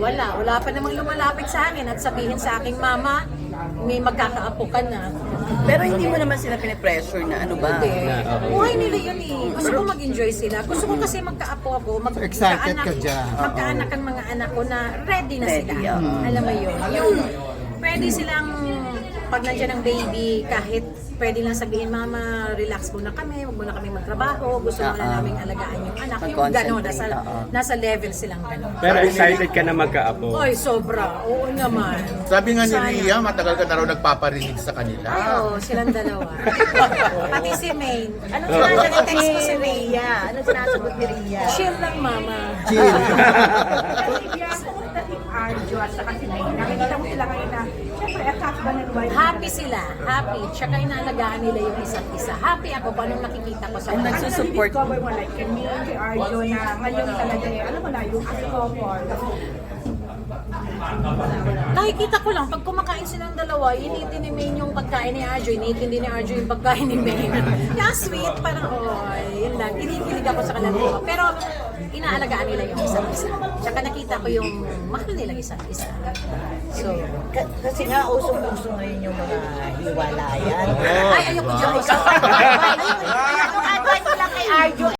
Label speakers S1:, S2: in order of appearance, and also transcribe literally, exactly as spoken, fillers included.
S1: Wala, wala pa namang lumalapit sa akin at sabihin sa aking mama, may magkakaapo ka na.
S2: Pero hindi mo naman sila pinipressure na ano ba?
S1: Hindi. Buhay nila yun eh. Gusto ko mag-enjoy sila. Gusto ko kasi magkaapo ako. Mag
S3: So, excited ka
S1: magkaanak-
S3: dyan.
S1: Magkaanak ang mga anak ko na ready na
S2: Ready,
S1: sila.
S2: oo.
S1: Alam mo yun. Yung pwede silang pag nandiyan ang baby, kahit pwede lang sabihin, Mama, relax muna kami, huwag muna kami magtrabaho, gusto muna
S2: Oo.
S1: namin alagaan yung anak. Yung
S2: Mag-concentrate,
S1: gano'n, nasa,
S2: oo.
S1: nasa level silang gano'n.
S4: Pero excited ka na magkaapo.
S1: Oy, sobra. Oo naman.
S5: Sabi nga ni
S1: Sana.
S5: Ria, matagal ka na raw nagpaparinig sa kanila.
S1: Ay, oo, silang dalawa. Pati si Maine.
S2: Anong
S4: Oo.
S2: sinasagot
S1: Text
S2: ni
S1: ko si Ria.
S2: Ria? Anong sinasagot ni Ria?
S1: Chill lang, Mama.
S3: Chill.
S6: Arjo at saka si May. Nakikita mo sila ngayon na, syempre, at husband and wife.
S1: Happy sila. Happy. Tsaka inaalagaan nila yung isa't isa. Happy ako pa nung nakikita ko sa
S2: Ang
S1: kanila.
S2: nagsusupport mo.
S6: Discover mo like kami, si Arjo na ngayon talaga eh, alam mo na, yung as couple.
S1: Nakikita ko lang, pag kumakain silang dalawa, initin ni Maine yung pagkain ni Arjo, initin din ni Arjo yung pagkain ni Maine. Yeah, sweet, parang, oh, yun lang. Inikilig ako sa kanila dalawa. Pero, inaalagaan nila yung isa't isa. Tsaka nakita ko yung mahal nila isa't isa. So,
S2: Ka- Kasi nga, usong-uso ngayon yung mga hiwalayan.
S1: ay, ayoko dyan.
S2: Yung advice mo lang kay Arjo